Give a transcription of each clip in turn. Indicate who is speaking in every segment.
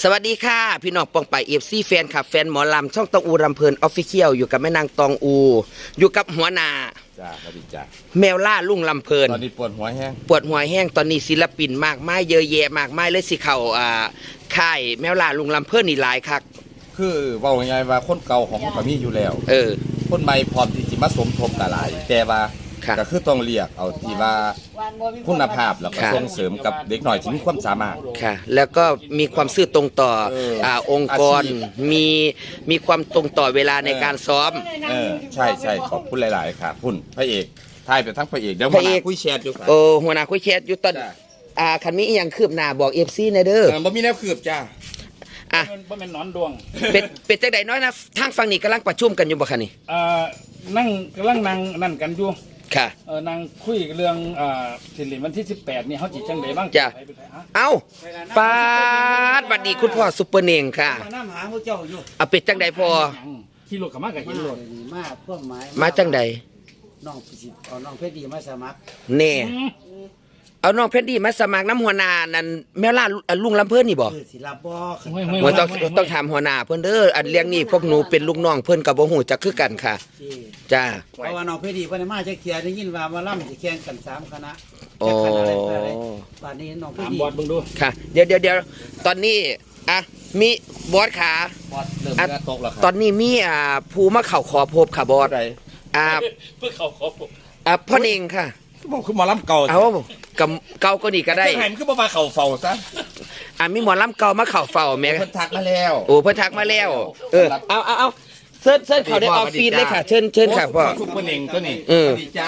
Speaker 1: สวัสดีค่ะพี่น้องปองไปFCแฟนคลับแฟนหมอลำช่องตองอูรำเพลินออฟฟิเชียลอยู่กับแม่นางตองอูอยู่กับหัวหน้า
Speaker 2: จ้าสวัสดีจ้า
Speaker 1: แมวล่าลุงลำเพลิน
Speaker 2: ตอนนี้ปวดหัวแห้ง
Speaker 1: ตอนนี้ศิลปินมากมายเยอะแยะมากมายเลยสิเข้าค่ายแมวล่าลุงลำเพลินนี่หลายคัก
Speaker 2: คือว่าไงว่าคนเก่าของเขามีอยู่แล้วคนใหม่พร้อมที่จะมาสมทบกับหลายแต่ว่าก็คือต้องเรียกเอาที่ว่าคุณภาพแล้วก็ส่งเสริมกับเด็กหน่อยที่มีความสามารถ
Speaker 1: ค่ะแล้วก็มีความซื่อตรงต่อองค์กรมีความตรงต่อเวลาในการซ้อม
Speaker 2: ใช่ขอบคุณหลายๆครับคุณพระเอกทายไปทั้งพระเอกเดี๋ยวหัวหน้าคุยแชทอยู่
Speaker 1: หัวหน้าคุยแชทอยู่ตอนคันนี้ยังคืบหน้าบอก FC ในเด้อ
Speaker 2: บ่มีแนวคืบจ้า
Speaker 3: บ่แม่นนอนดวง
Speaker 1: เป็นจังได๋น้อยนะทางฝั่งนี้กำลังประชุมกันอยู่บ่คะนี่
Speaker 3: นั่งกำลังนั่นกันอยู่
Speaker 1: ค่ะ
Speaker 3: นั่งคุยเรื่องสิริวันที่18นี่เฮาสิจังได๋บ้าง
Speaker 1: จ้ะเอ้าปาดสวัสดีคุณพ่อซุปเปอร์เน่งค่ะ
Speaker 3: มาหาพวกเจ้าอยู่
Speaker 1: เป็ดจังได๋พ่อ
Speaker 3: ขี่รถเข้ามาก็เห็นรถ
Speaker 4: มาพวกหมาย
Speaker 1: มาจังได๋
Speaker 4: น้องสิเอาน้องเพชรดีมาสมัคร
Speaker 1: แน่เอาน้องเพชรดีมาสมัครน้ำหัวหน้านั่นแม่ล่าลุงลำเพิ่นนี่บ่
Speaker 4: สิรับบ่
Speaker 1: มันต้องถามหัวหน้าเพิ่นเด้ออันเรื่องนี้พวกหนูเป็นลูกน้องเพิ่นก็บ่ฮู้จักคือกันค่ะจ้า
Speaker 4: เพราะว่าน้องเพชรดีเพิ่นมาจักเที่ยได้ยินว่ามาล่ำสิแข่งกัน3คณะบัดนี้น้องเพชรดี
Speaker 3: บอสเบิ่งดู
Speaker 1: ค่ะเดี๋ยวตอนนี้มีบอสขา
Speaker 2: บอสเริ่มตกแล้วครับ
Speaker 1: ตอนนี้มีผู้มาเข้าขอพบค่ะบอส
Speaker 3: เพื่อเข้าขอพบ
Speaker 1: พ่อเน่งค่ะ
Speaker 2: บอกคือหมอลำเก่า
Speaker 1: เอาเก่าก็นี่ก็ได้
Speaker 2: เห็นคือบ่มาเข่าเฝ้าซะ
Speaker 1: มีหมอลำเก่ามาเข่าเฝ้าแม่
Speaker 2: เพิ่นทักมาแล้ว
Speaker 1: เพิ่นทักมาแล้วเอาเชิญเขาได้ออฟฟิศเลยค่ะเชิญค่ะพ่อ
Speaker 2: ซุปเปอร์เน่งตัวนี้
Speaker 1: สวัส
Speaker 2: ดีจ้า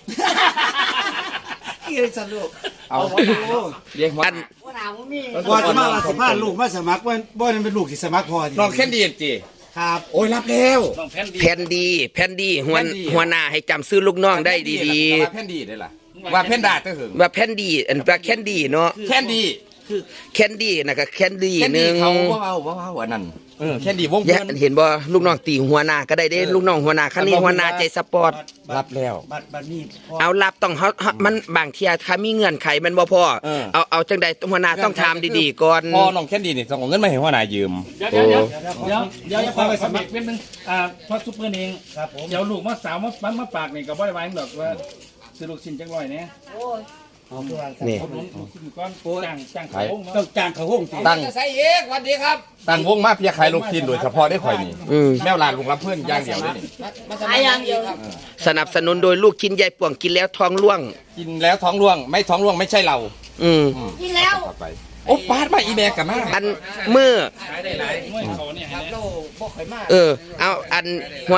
Speaker 4: เกี่ยวสนุก
Speaker 2: เอาเรียกว่า
Speaker 4: บ่จะมาสิพาลูกมาสมัครบ่นั่นเป็นลูกที่สมัครพอ
Speaker 2: น้องแคนดี้จิ
Speaker 4: ครับ
Speaker 2: โอ้ยรับแล้ว
Speaker 1: แผ่นดีหัวหน้าให้จำซื้อลูกน้องได้ดี
Speaker 2: ๆว่าแผ่นดีได้ล่ะว่าแผ่นดาเถอะ
Speaker 1: ว่าแผ่นดีว่าแคนดี้เนาะ
Speaker 2: แคนดี้
Speaker 1: คือแคนดี้น่ะก็แคนดี้นึง
Speaker 2: เขาว้าวอันนั้นแคนดี้วงเพิ่น
Speaker 1: เห็นบ่ลูกน้องตีหัวหน้าก็ได้เด้ลูกน้องหัวหน้าคันนี้หัวหน้าใจสปอร์ต
Speaker 2: รับแล้ว
Speaker 4: บัดนี้
Speaker 1: เอารับต้องมันบางเที่ยถ้ามีเงื่อนไขมันบ่พอเอาจังใดหัวหน้าต้องถามดีๆก่อน
Speaker 2: พอน้องแคนดี้นี่ต้องเอาเงินมาให้หัวหน้ายืม
Speaker 3: เดี๋ยวขอไปสมัครนิดนึงพอซุปเปอร์เอง
Speaker 4: ครับผม
Speaker 3: เดี๋ยวลูกมาสาวมาปากนี่ก็บ่ได้ไว้ดอกว่าซื้อลูกชิ้นจักร้อยแน่
Speaker 1: นี่
Speaker 3: จ้างเขาวง
Speaker 4: ต้องจ้างเขาวง
Speaker 2: ตั้งใส่เอกสวัสดีครับตั้งวงมาเพียขายลูกชิ้นโดยเฉพาะได้ข่อยนี่แมวลานลุงรับเพื่อนอย่างเดียวเลยนี่
Speaker 4: ขายอย่างเดียว
Speaker 1: สนับสนุนโดยลูกชิ้นใหญ่ป่วงกินแล้วท้องร่วง
Speaker 2: ไม่ท้องร่วงไม่ใช่เรา
Speaker 4: กินแล้ว
Speaker 2: โอ้ปาดมาอีแบกกันมา
Speaker 1: อันมือเอาอันหัว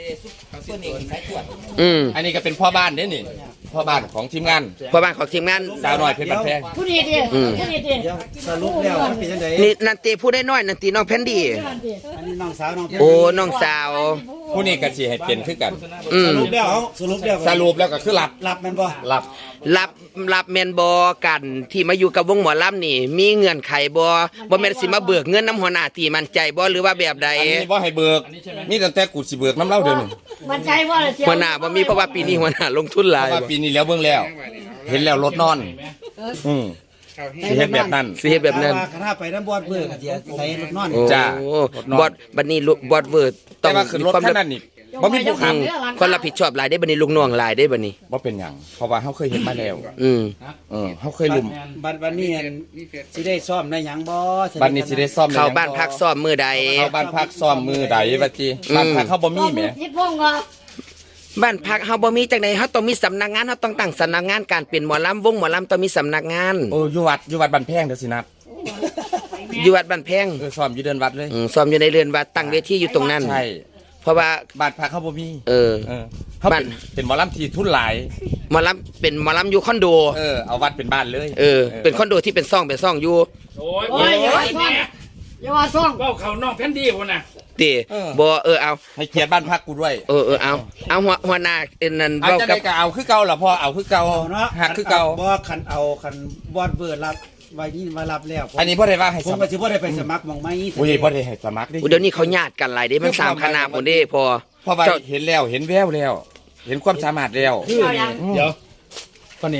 Speaker 2: อันนี้ก็เป็นพ่อบ้านเนี่ยนี่พ่อบ้านของทีมงานสาวหน่อยเพชรบันแพง
Speaker 4: ผู้ดีดิสรุปแล้วเป็นจังได๋
Speaker 1: นี่นันตีผู้ได้น้อยนันตีน้องแพนดี้
Speaker 4: อันนี้น้องสาวน้อง
Speaker 1: น้องสาว
Speaker 2: ผู้นี้ก็สิให้เป็นคือกัน
Speaker 4: สรุป
Speaker 2: แล้วก็คือหลับ
Speaker 4: แม่นบ่
Speaker 1: รับแม่นบ่กันที่มาอยู่กับวงหมอลำนี่มีเงื่อนไขบ่แม่นสิมาเบิกเงินน้ำหัวหน้าตีมั่นใจบ่หรือว่าแบบใด
Speaker 2: อันนี้บ่ให้เบิกมีตั้งแต่กูสิเบิกน้ำเล่าเดี๋ยวนี้
Speaker 4: มั่นใจบ่
Speaker 1: หัวหน้าบ่มีเพราะว่าปีนี้หัวหน้าลงทุนหลาย
Speaker 2: ว่าปีนี้แล้วเบิ่งแล้วเห็นแล้วรถนอนสิเฮ็ดแบบนั้น
Speaker 4: ถ้าไปน้ำบอดเบิกสิใส่รถนอน
Speaker 2: จ้า
Speaker 1: บอดบัดนี้บอดเวิร์ด
Speaker 2: ต้องมีความนั้นนี่บ่มีผู้ขัง
Speaker 1: คนรับผิดชอบหลายได้บัดนี้ลูกน้องหลายได้บัดนี้
Speaker 2: บ่เป็นหยังเพราะว่าเฮาเคยเห็นมาแล้วเฮาเคยลุม
Speaker 4: บัดนี้สิได้ซ้อมได้หยังบ่
Speaker 2: บัดนี้สิได้ซ้อม
Speaker 1: เข้าบ้านพักซ้อมมื้อใด
Speaker 2: เข้าบ้านพักซ้อมมื้อใดว่าจิบ้านพักเฮาบ่มีแหม
Speaker 1: บ้านพักเฮาบ่มีจังได๋เฮาต้องมีสำนักงานเฮาต้องตั้งสำนักงานการเป็นหมอลำวงหมอลำต้องมีสำนักงาน
Speaker 2: อยู่วัดบ้านแพงเด้อสินัด
Speaker 1: อยู่วัดบ้านแพง
Speaker 2: ซ้อมอยู่เดินวัดเลย
Speaker 1: ซ้อมอยู่ในเรือนวัดตั้งเวทีอยู่ตรงนั้น
Speaker 2: ใช่
Speaker 1: เพราะว่า
Speaker 2: บ้านพักเขาบ่มี
Speaker 1: เขา
Speaker 2: เป็นหมอลำที่ทุนหลาย
Speaker 1: หมอลำเป็นหมอลำอยู่คอนโด
Speaker 2: เอาวัดเป็นบ้านเลย
Speaker 1: เป็นคอนโดที่เป็นซ่องอยู่
Speaker 3: โอ้ยอย่าว่าซ่องก็เขาน้องแผ่นดีพุ่นน่ะ
Speaker 1: ติบ่เอา
Speaker 2: ให้เกียรติบ้านพักกูด้วย
Speaker 1: เอาหัวหน้านั่น
Speaker 2: เว้ากับเอาคือเก่าล่ะพ่อเอาคือเก่าหักคือเก่า
Speaker 4: บ่คันบอดเบิดรับไว้นี่มารับแล้ว
Speaker 2: อันนี้บ่ได้ว่าให้
Speaker 4: ผมก็สิบ่ได้ไปสมัครหม่องไม้
Speaker 2: บ่ได้ให้สมัคร
Speaker 1: เดี๋ยวนี้เขาญาติกันหลายเด้มัน3คณะพุ่นเด้พอ
Speaker 2: เพราะว่าเห็นแล้วเห็นแววแล้วเห็นความสามารถแล้ว
Speaker 3: เดี๋ยวคนเอง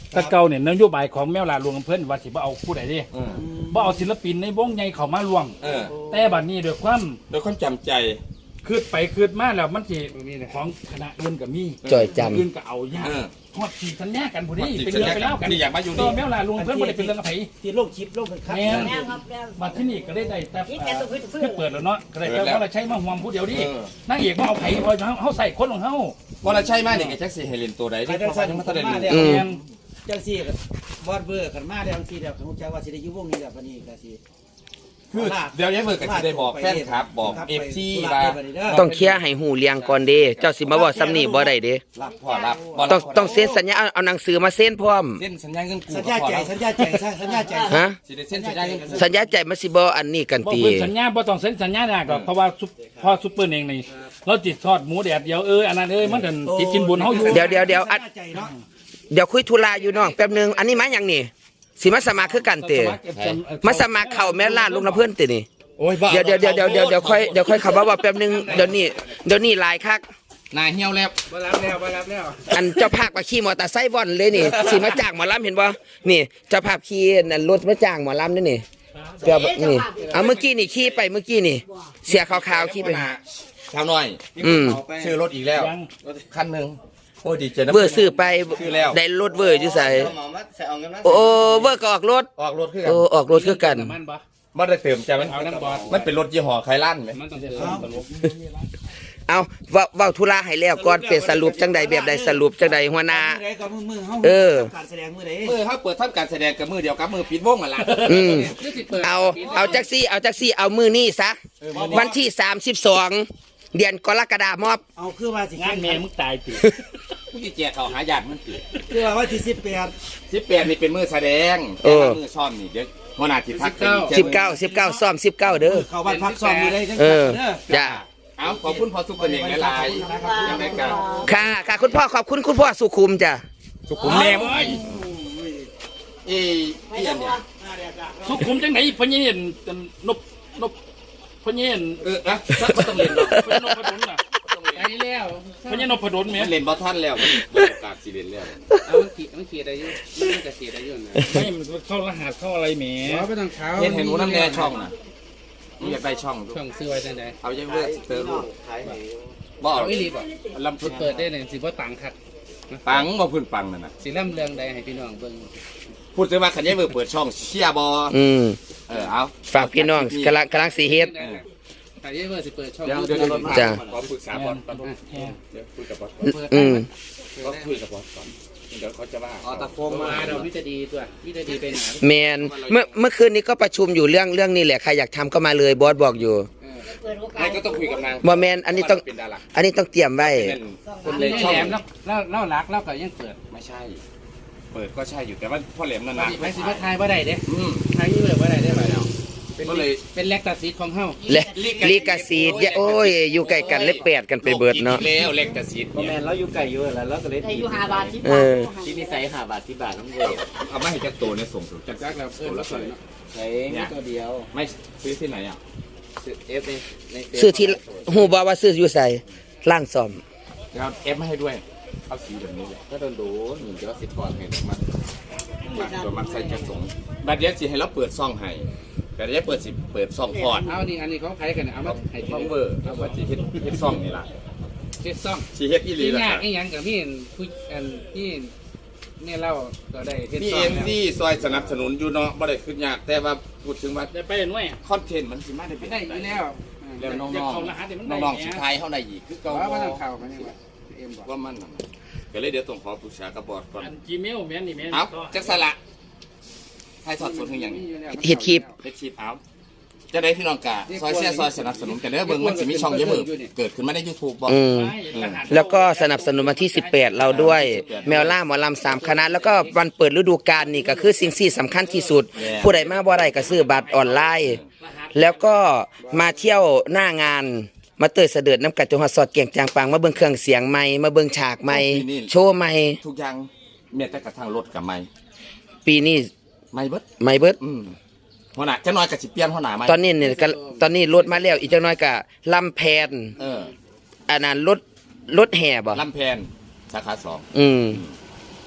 Speaker 3: แตะเก่าเนี่ยนโยบายของแมวลาหลวงอำเภอว่าสิบ่เอาผู้ใดเด้บ่เอาศิลปินในวงใหญ่เข้ามาร่วมแต่บัดนี้ด้วยความ
Speaker 2: จำใจ
Speaker 3: คืดไปคืดมาแล้วมันสิของคณะอื่นก็มี
Speaker 1: จ่อยจำ
Speaker 3: อื่นก็เอายากฮอดที่สัญญากันผู้นี้เป็นเรื่องไปแล้วกันนี่อยากมาอยู่นี่แมวลาหลวงอำเภอบ่ได้เป็นเรื่องกับไผ
Speaker 4: ที่โลกชิปโลกเป็นครับ
Speaker 3: แม่มาที่นี่ก็ได้แต่คือเปิดแล้วเนาะก็ได้แต่ว่าเราใช้มาห่วงผู้เดียวดินางเอกมาเอาไผพอเฮาใส่คนของเฮา
Speaker 2: บ่ละใช่มานี่ก็จักสิให้เล่นตัวใดที่เพราะว่ายังบ่ทันได้เล่น
Speaker 4: จังซี่ก็บอดเบอร์กันมาแล้วจังซี่แล้วผมจะว่าสิได้อยู่วงนี้แล้วบัดนี้ก็สิ
Speaker 2: คือเดี๋ยวยังเบิกกันสิได้บอกแฟนครับบอกFC ว่า
Speaker 1: ต้องเคลียร์ให้หูเลี้ยงก่อนเด้เจ้าสิมาบอกซ้ำนี่บ่ได้เด้
Speaker 2: รับพ่อรับ
Speaker 1: ต้องเซ็นสัญญาเอาหนังสือมาเซ็นพร้อม
Speaker 2: เซ็นสัญญาเงินกู้
Speaker 4: สัญญาใจ
Speaker 1: ฮะ
Speaker 2: สิได้เซ็นสัญญาเงินกู้
Speaker 1: สัญญาใจมันสิบ่อันนี้กันติ
Speaker 3: สัญญาบ่ต้องเซ็นสัญญาดอกเพราะว่าพอซุปเปอร์เองนี่เราติดทอดหมูแดดเดียวอันนั้นมันกันติดกินบุญเฮาอยู่
Speaker 1: เดี๋ยวเดี๋ยวคุยธุระอยู่น้องแป๊บนึงอันนี้มาหยังนี่สิมาสมัครคือกันติมาสมัครเข้าแม่ลาดลุงน้ำเพิ่นตินี่เดี๋ยวค่อยขับว่าแป๊บนึงเดี๋ยวนี้ลายคัก
Speaker 2: นายเหี่ยวแล้ว
Speaker 3: บ่รับแล้ว
Speaker 1: อันเจ้าภาพมาขี่มอเตอร์ไซค์ว่อนเลยนี่สิมาจ้างหมอลำเห็นบ่นี่เจ้าภาพขี่นั่นรถมาจ้างหมอลำนี่เจ้านี่เอาเมื่อกี้นี่ขี่ไปเมื่อกี้นี่เสียขาวๆขี่ไป
Speaker 2: ชาวน้อยซื้อรถอีกแล้วคันนึงโอ้ดีใจนะ
Speaker 1: เวอร์ซื้อไปได้รถเวอร์อยู่ใส่โอ้เวอร์ก็ออกรถ
Speaker 2: คือ
Speaker 1: กันออกรถคือกัน
Speaker 2: บ่ได้เติมใจมันเป็นรถยี่ห้อไคลั่นมั้ย
Speaker 1: เอาเว้าธุระให้แล้วก่อนเป็นสรุปจังใดแบบใดสรุปจังใดหัวหน้า
Speaker 4: การแสดงมื้อใด
Speaker 2: เฮาเปิดทำการแสดงกับมือเดียวกับมือปิดวงนั่นล่ะ
Speaker 1: เอาจักซี่เอามื้อนี้ซะวันที่32เดือนกรกฎาคม
Speaker 4: เอาคือว่าสิ
Speaker 3: งานแม่มึงตายติ
Speaker 2: กูสิแจกเขาหาญาติมึงติ
Speaker 4: คือว่าวันที่
Speaker 2: 18นี่เป็นมื้อแสดงมื้อซ้อมนี่เดี๋ยวหัวหน้าสิทัก
Speaker 1: 19ซ้อม19เด้อ
Speaker 4: เข้าบ้านพักซ้อมมื้อใดจัง
Speaker 1: จ้า
Speaker 2: เอาขอบคุณพ่อสุขุมเองหลายๆยังไงกัน
Speaker 1: ค่ะคุณพ่อขอบคุณคุณพ่อสุขุมจ้ะ
Speaker 2: สุขุมแม่เว้ยพี่อันเนี่ย
Speaker 3: สุขุมจังไหนพญเห็นนบพญเห็น
Speaker 2: นะบ่ต้องเล่นหรอก
Speaker 3: พญนพดลน่ะไปแล้วพญนพดลแม่
Speaker 2: เล่นบ่ทันแล้วมันโอกาสสิเล่นแล้ว
Speaker 3: เอามันเขียนได้อยู่มันก็เขียนได้อยู่นะไม่มันเข้ารหัสเข้าอะไรแหม
Speaker 2: บ่ต้องเขาเห็นหัวน้ำแน่ช่องน่ะอยากได้ช่อง
Speaker 3: ซื้อไว้จังได๋
Speaker 2: เอายังเว้ยเติม
Speaker 3: บ่เอาอีหลีบ่ลำเปิดได้เลยสิบ่ตังคัก
Speaker 2: ปังบ่พื้นปังนั่นน่ะ
Speaker 3: สิลำเรื่องใดให้พี่น้องเบิ่ง
Speaker 2: พูดถึงว่าคันยังเปิดช่องเชียร์บ่เอา
Speaker 1: ฝากพี่น้องกำลังสิเฮ็ด
Speaker 3: คันยังสิเปิดช่อง
Speaker 1: จ้ะ
Speaker 2: ขอปรึกษาบอลก่อนเดี๋ยวคุยกับบอลก็คุยกับบอลก่อนเดี๋ยวเขาจะว่า
Speaker 3: ตะโกงมาเราวิจะดีตัววิจะดีเป็น
Speaker 1: แมนเมื่อคืนนี้ก็ประชุมอยู่เรื่องนี้แหละใครอยากทำก็มาเลยบอสบอกอยู่
Speaker 2: ไม่ก็ต้องคุยกับนาง
Speaker 1: บ่แมนอันนี้ต้องเตรียมไว้
Speaker 3: คนเลยแหลมแล้วรักแล้วก็ยังเปิด
Speaker 2: ไม่ใช่เปิดก็ใช่อยู่แต่ว่าพ่อแหลมนาน
Speaker 3: ๆไม่สิมาทายบ่ได้เด้ทายนี่เลยบ่ได้ได้บ่แล้วเป็นแลกตาซีดของเฮา
Speaker 1: ลีกาซีดโอ้ยอยู่ใกล้กันเลยแปดกันไปเบิดเนาะ
Speaker 2: แล้วแลกตาซีด
Speaker 3: บ่แม่นเราอยู่ไกลอยู่แล้วเราก็เลย
Speaker 5: อยู่5 บาท10 บาท
Speaker 3: ที่นี่ใส่5 บาท10 บาทน้ำเว้ย
Speaker 2: เอามาให้จักโตเนี่ยส่งจักแล้วโตแล้ว
Speaker 3: ใส่ตัวเดียว
Speaker 2: ไม่ซื้อที่ไหนอ่ะ
Speaker 3: ซื้อ F ใน
Speaker 1: ซื้อที่ฮู้บ่ว่าซื้ออยู่ไสร้านซ่อม
Speaker 2: แล้วFมาให้ด้วยเอาสีแบบนี้แหละ
Speaker 3: ถ้าโดนดู1จะ10ก่อนให้มัน
Speaker 2: ตัวมันใส่จักสงบัดเดี๋ยวสิให้เราเปิดซ่องให้แต่จะเปิดซ่องพอด
Speaker 3: เอานี่อันนี้เขาขายกันเอามาให้
Speaker 2: ช่องเวอร์เอาว่าสิเฮ็ดซ่องนี่ล่ะ
Speaker 3: เฮ็ดซ่อง
Speaker 2: สิเฮ็ดอีหลีล่ะ
Speaker 3: ยากอีหยังกับพี่ผู้อันที่เนี่ยเล่าก็ได้
Speaker 2: เฮ็ดซ่องนี่ที่ซอยสนับสนุนอยู่เนาะบ่ได้ขึ้นยากแต่ว่าพูดถึงว่า
Speaker 3: ได้ไปหน่วย
Speaker 2: คอนเทนต์มันสิมาได้เป็น
Speaker 3: ได้อยู่แล้ว
Speaker 2: น้องๆสิทายเฮาได้อีกคือเก่า
Speaker 3: ว่ามันเข้ามันยังว่า
Speaker 2: ว่ามันก็เลยเดี๋ยวต้องขอปรึกษากับบอร์ดก่อน
Speaker 3: Gmail แม่นนี่แม่น
Speaker 2: เอาจักสละให้สอดสนอย่างนี้
Speaker 1: เฮ็ดคลิป
Speaker 2: เอาจะได้พี่น้องกะซอยเสียซอยสนับสนุนกันเด้อเบิ่งมันสิมีช่องเยอะมือเกิดขึ้นมาใน YouTube บ่
Speaker 1: แล้วก็สนับสนุนมาที่18เราด้วยแมวล่าหมอลำ3คณะแล้วก็วันเปิดฤดูกาลนี่ก็คือสิ่งที่สำคัญที่สุดผู้ใดมาบ่ได้ก็ซื้อบัตรออนไลน์แล้วก็มาเที่ยวหน้างานมาเตยเสด็จน้ำกัดจงหัดสอดเกียงจางปังมาเบิ่งเครื่องเสียงใหม่มาเบิ่งฉากใหม่โชว์ใหม่
Speaker 2: ทุกอย่างแม้แต่กระทั่งรถก็ใหม่
Speaker 1: ปีนี้
Speaker 2: ใหม่เ
Speaker 1: บิด
Speaker 2: หัวหน้าจักหน่อยก็สิเปลี่ยนหัวหน้าใหม่
Speaker 1: ตอนนี้เนี่ยตอนนี้รถมาแล้วอีกจักหน่อยก็ลำแพน
Speaker 2: อั
Speaker 1: นนั้นรถแห่บ่
Speaker 2: ลำแพนสาขา2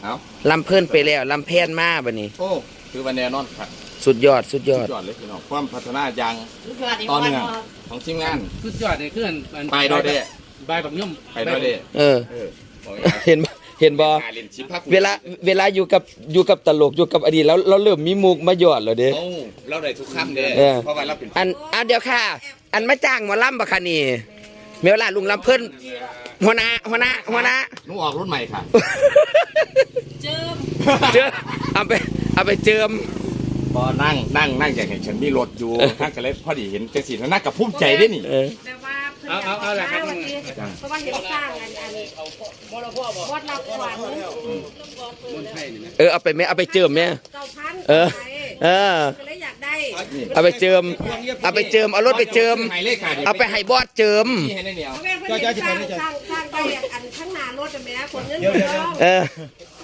Speaker 2: เอา
Speaker 1: ลำเพิ่นไปแล้วลำแพนมาบัดนี้
Speaker 2: โอ้คือวันแน่นอนครับ
Speaker 1: สุดยอดสุดยอด
Speaker 2: ยอดเลยพี่น้องความพัฒนาอย่างตอนเนื่องของทีมงาน
Speaker 3: สุดยอดเลยคือ
Speaker 2: ไปโดยเด้
Speaker 3: ใบแบบย่อม
Speaker 2: ไปโดยเด้
Speaker 1: เออ
Speaker 2: บอกง่าย
Speaker 1: เห็นบ่
Speaker 2: หาเล่นชิปภาค
Speaker 1: เวลาอยู่กับตลกอยู่กับอดีตแล้วเราเริ่มมีมุกมาหยอดแล้วเด้
Speaker 2: โอ้เราได้ทุกคำเด้
Speaker 1: เออ
Speaker 2: เพราะว่าเราเป็น
Speaker 1: อันเดียวค่ะ อันมาจ้างหมอลำบ่คะนี่เมวลาลุงลำเพิ่นหัวหน้า
Speaker 2: หนูออกรุ่นใหม่ค่ะ
Speaker 1: เจิมเอาไปเจิม
Speaker 2: บอนั่งอย่างเห็นฉันมีรถอยู่นั่งกันเลยพอดีเห็นจังสีนั่งกับภูมิใจได้นี่
Speaker 5: แต่ว่าเพิ่นเอาละครับเพราะว่าเห็นสร้างอันวัดรับขวัญ
Speaker 1: เอาไปแม่เอาไปเจิมแม่
Speaker 5: 9,000
Speaker 1: เออ
Speaker 5: ก็เลยอยากได้
Speaker 1: เอาไปเจิมเอารถไปเจิม
Speaker 2: ให้เลขค่ะ
Speaker 1: เอาไปให้บอสเจิม
Speaker 2: นี่ให้ได้เหนียว
Speaker 5: เพราะแม่เพิ่นเห็นสร้างได้อันข้างหน้ารถแม่ขนเงินเงินทอง
Speaker 1: เออ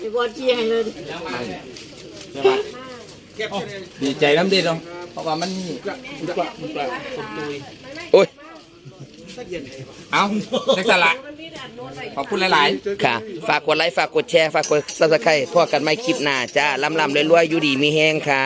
Speaker 2: ดีใจน้ำดีเนาะเพราะว่ามัน
Speaker 1: โอ้ย
Speaker 2: เอาเล็กสละขอบคุณหลาย
Speaker 1: ค่ะ ฝากกดไลค์ฝากกดแชร์ฝากกด Subscribe พวกกันไม่คลิปหน้าจ้าลำรวยๆอยู่ดีมีแห้งค่ะ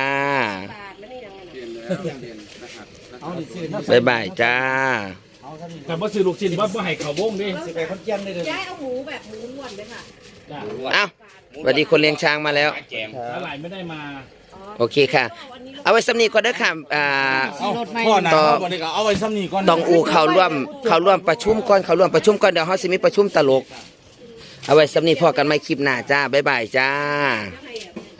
Speaker 4: เอาดิซื้อ
Speaker 1: บ๊ายบายจ้า
Speaker 3: แต่บ่ซื้อลูกชิ้นบ่ให้เขาวงดิ
Speaker 4: สิไปคนเจียมได้เลย
Speaker 5: ย้ายเอาหมูแบบหมูล้วนเลยค่ะ
Speaker 3: จ้า
Speaker 1: เอ้าสวัสดีคนเลี้ยงช้างมาแล้ว
Speaker 2: ๆแจม
Speaker 3: สลายไม่ได้มา
Speaker 1: โอเคค่ะ เอาไว้สำนีก่อนเด้อค่ะ
Speaker 2: พ่อหนา
Speaker 1: ต่อ
Speaker 2: วันนี้ก็เอาไว้ซ้ำนี่ก่อน
Speaker 1: ต้องอูเข้าร่วมประชุมก่อนเดี๋ยวเฮาสิมีประชุมตลก เอาไว้สำนีพอกันไม่คลิปหน้าจ้าบ๊ายบายจ้า
Speaker 5: ให้